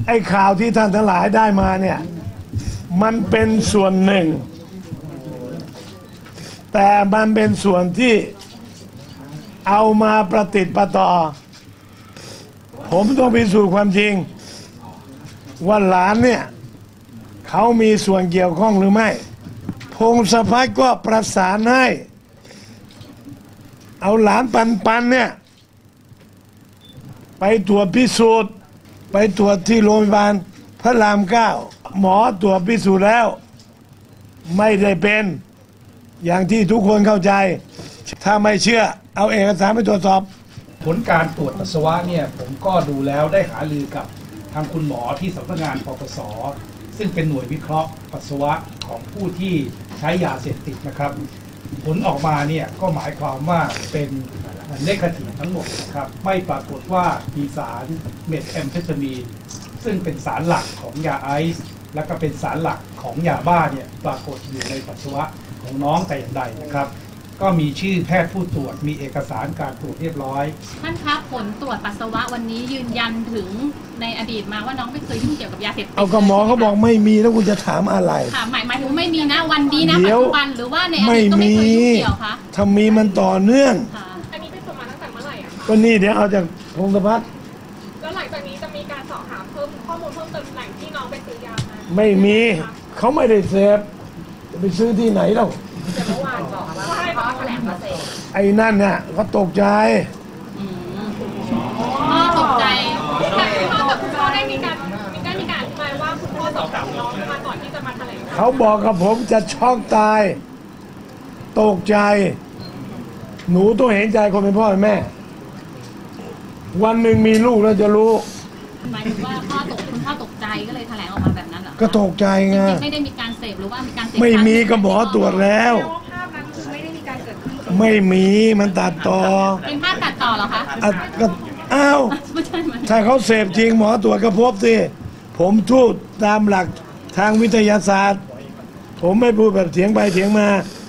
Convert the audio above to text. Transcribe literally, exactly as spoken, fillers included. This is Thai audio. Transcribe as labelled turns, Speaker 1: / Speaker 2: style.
Speaker 1: ไอ้ข่าวที่ท่านทั้งหลายได้มาเนี่ยมันเป็นส่วนหนึ่งแต่มันเป็นส่วนที่เอามาประติดประต่อผมต้องพิสูจน์ความจริงว่าหลานเนี่ยเขามีส่วนเกี่ยวข้องหรือไม่พงศพัฒน์ก็ประสานให้เอาหลานปันปันเนี่ยไปตรวจพิสูจน์ไปตรวจที่โรงพยาบาลพระรามเก้าหมอตรวจพิสูจน์แล้วไม่ได้เป็นอย่างที่ทุกคนเข้าใจถ้าไม่เชื่อเอาเอกสารไปตรวจสอบ
Speaker 2: ผลการตรวจปัสสาวะเนี่ยผมก็ดูแล้วได้หารือกับทางคุณหมอที่สำนักงานปปส.ซึ่งเป็นหน่วยวิเคราะห์ปัสสาวะของผู้ที่ใช้ยาเสพติดนะครับผลออกมาเนี่ยก็หมายความว่าเป็นเนกาทีฟทั้งหมดนะครับไม่ปรากฏว่ามีสารเมทแอมเฟตามีนซึ่งเป็นสารหลักของยาไอซ์และก็เป็นสารหลักของยาบ้าเนี่ยปรากฏอยู่ในปัสสาวะของน้องแต่อย่างใดนะครับก็มีชื่อแพทย์ผู้ตรวจมีเอกสารการตรวจเรียบร้อย
Speaker 3: ท่านครับผลตรวจปัสสาวะวันนี้ยืนยันถึงในอดีตมาว่าน้องไม่เคยยุ่งเกี่ยวกับยาเสพติด
Speaker 1: เอากระหมอเขาบอกไม่มีแล้วคุณจะถามอะไร
Speaker 3: ค่ะหมายหมายถึงไม่มีนะวันนี้นะปัจจุบันหรือว่าในอดีตก็ไม่เคยยุ่งเกี่ยวคะ
Speaker 1: ถ้ามีมันต่อเนื่อง
Speaker 4: อันนี้เป็นส่วนมาตั้งแต่เมื่อไหร่อะคะ
Speaker 1: ก็นี่เดี๋ยวเอาจากพงศพัฒน์
Speaker 4: แล้วหลังจากนี้จะมีการสอบถามเพิ่มข้อมูลเพิ่มเติมแหล่งที่น้องไปซื้อยามา
Speaker 1: ไม่มีเขาไม่ได้เสพจะไปซื้อที่ไหนเล่า
Speaker 4: แต่เมื่อวานบอกว่าให้เขาแถลงมาเสพ
Speaker 1: ไอ้นั่นเนี่ยเขาตกใจ
Speaker 3: พ่อตกใจ
Speaker 4: แต่คุณพ่อกับคุณพ่อได้มีการมีได้มีการอธิบายว่าคุณพ่อสอบถามน้องมาก่อนที่จะมาแถลง
Speaker 1: เขาบอกกับผมจะช็อกตายตกใจหนูต้องเห็นใจคนเป็นพ่อเป็นแม่วันหนึ่งมีลูกแล้วจะรู้
Speaker 3: หมายถึงว่าพ่อตกคุณพ่อตกใจก็เลยแถลงออกมาแบบนั้นเหรอ
Speaker 1: ก็ตกใจไง
Speaker 3: ไม่ได้มีการเสพหรือว่ามีการเสพ
Speaker 1: ไม่มีก็หมอตรวจแล้ว
Speaker 4: ภาพนั้นคือไม่ได้มีการเกิดขึ้น
Speaker 1: ไม่มีมันตัดต่อ
Speaker 3: เป็นภาพตัดต่อเหรอคะ
Speaker 1: ก็อ้าวถ้าเขาเสพจริงหมอตรวจก็พบสิผมพูดตามหลักทางวิทยาศาสตร์ผมไม่พูดแบบเถียงไปเถียงมา